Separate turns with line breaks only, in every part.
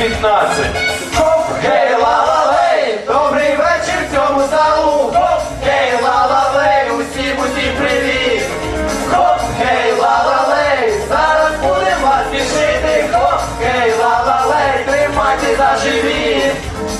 15. Хоп, гей, ла-ла-лей, добрий вечір цьому залу. Хоп, гей, ла-ла-лей, усім привіт. Хоп, гей, ла-ла-лей, зараз будемо вас смішити. Хоп, гей, ла-ла-лей, тримайте за живіт.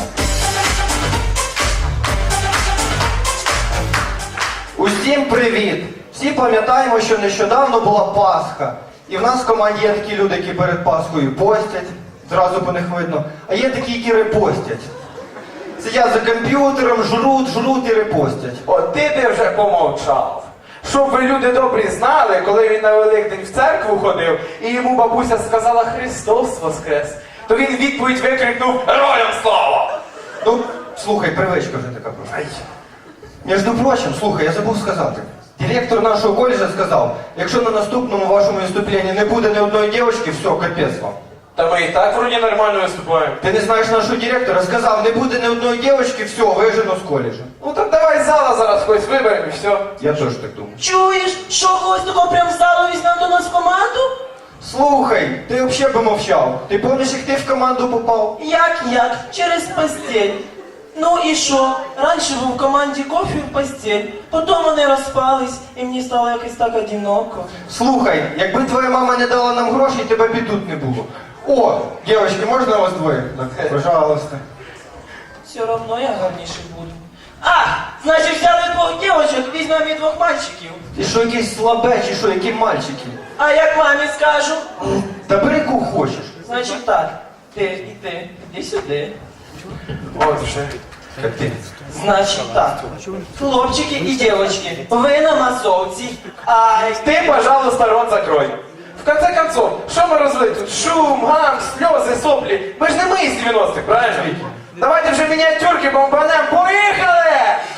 Усім привіт! Всі пам'ятаємо, що нещодавно була Пасха. І в нас в команді є такі люди, які перед Пасхою постять, зразу по них видно, а є такі, які репостять. Сидять за комп'ютером, жруть і репостять.
От ти вже помовчав. Щоб ви, люди добрі, знали, коли він на Великдень в церкву ходив, і йому бабуся сказала «Христос воскрес», то він відповідь викрикнув «Героям слава!».
Ну, слухай, привичка вже така просто. Між прочим, слухай, я забув сказати. Директор нашого коледжа сказав, якщо на наступному вашому виступленні не буде ні одної дівчинки, все, капець вам.
Та ми і так вроді нормально виступаємо.
Ти не знаєш нашого директора? Сказав, не буде ні одної дівчинки, все, вижено з коледжа.
Ну так давай з зала зараз когось виберемо і все.
Я теж так думаю.
Чуєш, що когось такого прям в залу візьмем до нас в команду?
Слухай, ти взагалі би мовчав. Ти пам'ятаєш, як ти в команду попав?
Як? Через постель. Ну і що? Раніше був в команді кофе в постель, потім вони розпались, і мені стало якось так одиноко.
Слухай, якби твоя мама не дала нам грошей, тебе б і тут не було. О, дівчатки, можна вас двоє? Так, пожалуйста.
Все одно я гарніший буду. Значить взяли двох дівчат, візьмемо і двох мальчиків.
Ти що, якийсь слабе, чи що, які мальчики?
А як мамі скажу?
Та бери кого хочеш.
Значить так, ти, іди сюди.
От вже.
Капець.
Значить так, хлопчики і дівчатки, ви на масовці, а
Ты, пожалуйста, рот закрой. В конце концов, что мы развели тут? Шум, гам, слезы, сопли. Мы же не мы из 90-х, правильно? Давайте вже миниатюрки бомбанем. Поїхали!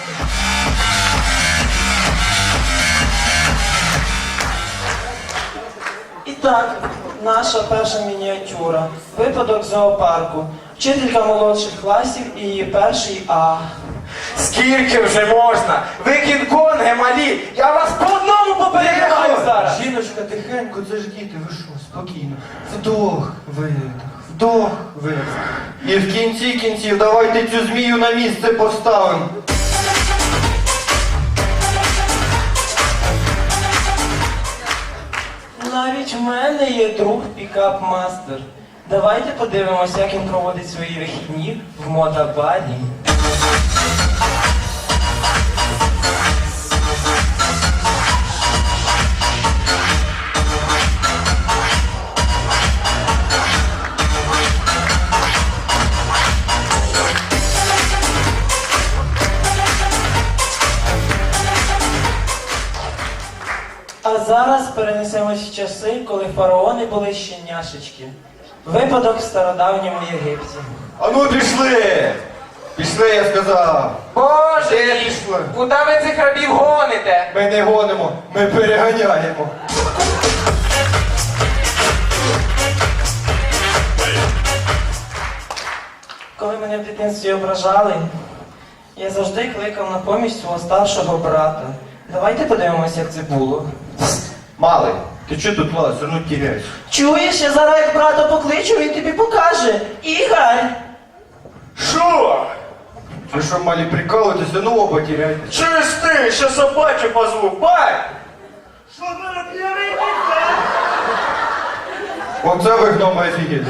І так, наша перша мініатюра. Випадок в зоопарку. Вчителька молодших класів і її перший А.
Скільки вже можна? Ви кінг-конги малі. Я вас по одному попереджаю зараз.
Жіночка, тихенько, це ж діти, ви що, спокійно. Вдох, видох, вдох, видох. І в кінці кінців давайте цю змію на місце поставимо.
Навіть в мене є друг пікап-мастер. Давайте подивимося, як він проводить свої вихідні в мотобаді. А зараз перенесемось в часи, коли фараони були щеняшечки. Випадок в стародавньому Єгипті.
А ну пішли! Пішли, я сказав.
Боже,
Де
мій,
пішли?
куди ви цих рабів гоните?
Ми не гонимо, ми переганяємо.
Коли мене в дитинстві ображали, я завжди кликав на поміч свого старшого брата. Давайте подивимося, як це було.
Малий, ти чого тут лазиш? Ну тіряєш.
Чуєш, я зараз як брата покличу, він тобі покаже. Ігор!
Що?
Ви що, малі, прикалуєтеся? Ну оба тіряєте.
Чуєш ти, що собачу позву, бай!
Оце ви гноми офігели.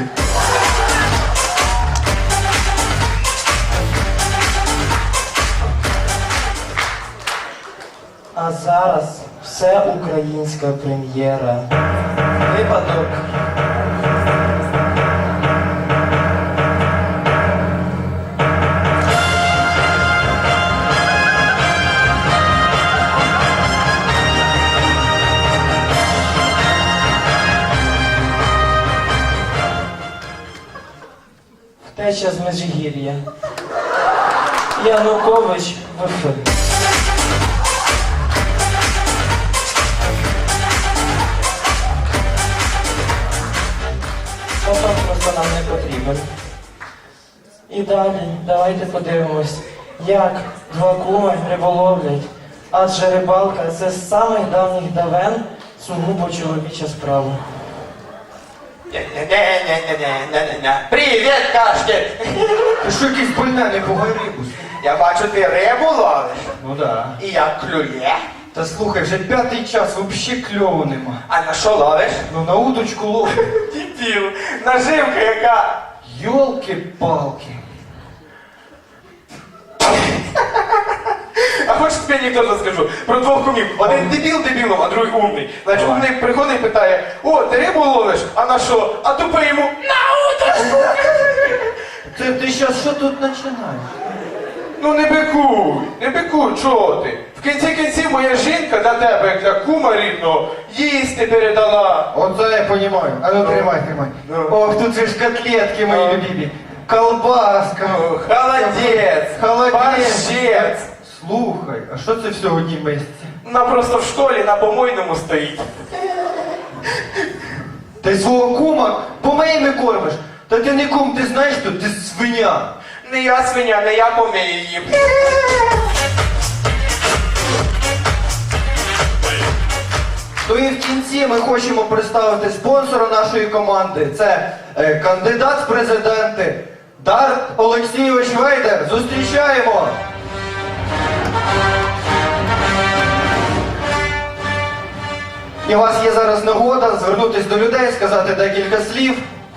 А зараз все українська прем'єра. Випадок. Втеча з Межигір'я. Янукович в ефірі. Потім просто нам не потрібен. І далі, давайте подивимось, як два куми риболовлять. Адже рибалка – це з самих давніх давен сугубо чоловіча справа.
Не-не-не-не-не-не-не. Привіт, кашки!
Ти що якийсь больне, не пугай рибу.
Я бачу, ти рибу ловиш.
Ну да.
І як клює.
Та слухай, вже 5-й час, взагалі кльову нема.
А на що ловиш?
Ну на удочку лов.
Дебіл, наживка яка.
Йолки-палки.
А хочеш тобі анекдот скажу? Про двох кумів. Один дебіл дебілом, а другий умний. Значить, умний приходить і питає: о, ти рибу ловиш? А на що? А тупий йому: на удочку!
Ти зараз що тут починаєш?
Ну не бикуй, чого ти? В кінці кінців моя жінка на тебе, як для кума рідного, їсти передала.
Оце я розумію. А ну тримай.
Ну.
Ох, тут же ж котлетки мої любимі. Колбаска.
Холодець,
Холодець.
борщець.
Слухай, а що це все в одній мисці?
Вона просто в школі на помойному стоїть.
Ти свого кума помиями кормиш? Та ти не кум, ти знаєш, що ти свиня.
Не я свиня, не я помию їм.
То і в кінці ми хочемо представити спонсора нашої команди. Це кандидат в президенти Дарт Олексійович Вейдер. Зустрічаємо! І у вас є зараз нагода звернутися до людей, сказати декілька слів.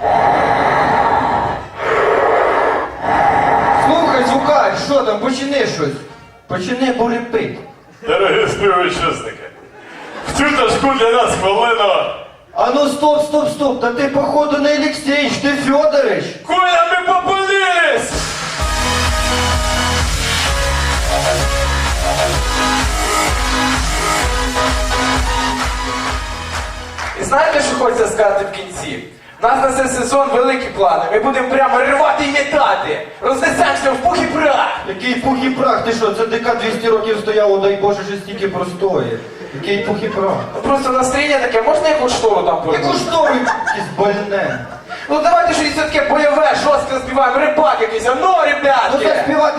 Слухай, звукач, що там, почини щось. Почини бурепит.
Дорогі співвітчизники, в цю тяжку для нас хвилину.
А ну стоп, та ти походу не Олексійович, ти Федорович.
Коля, ми попалились!
І знаєте, що хочеться сказати в кінці? У нас на цей сезон великі плани. Ми будемо прямо рвати і метати. Рознесемося в пух і прах.
Який пух і прах, ти що, це ДК 200 років стояло, дай Боже, що стільки простоє. Який пух і прах.
Просто настроєння таке, можна якусь штору там
Яку
повернути?
штору якесь больне.
Ну давайте щось таке бойове, жорстко співаємо, рибак якийсь, а ну,
Ну
ребятки!
так співати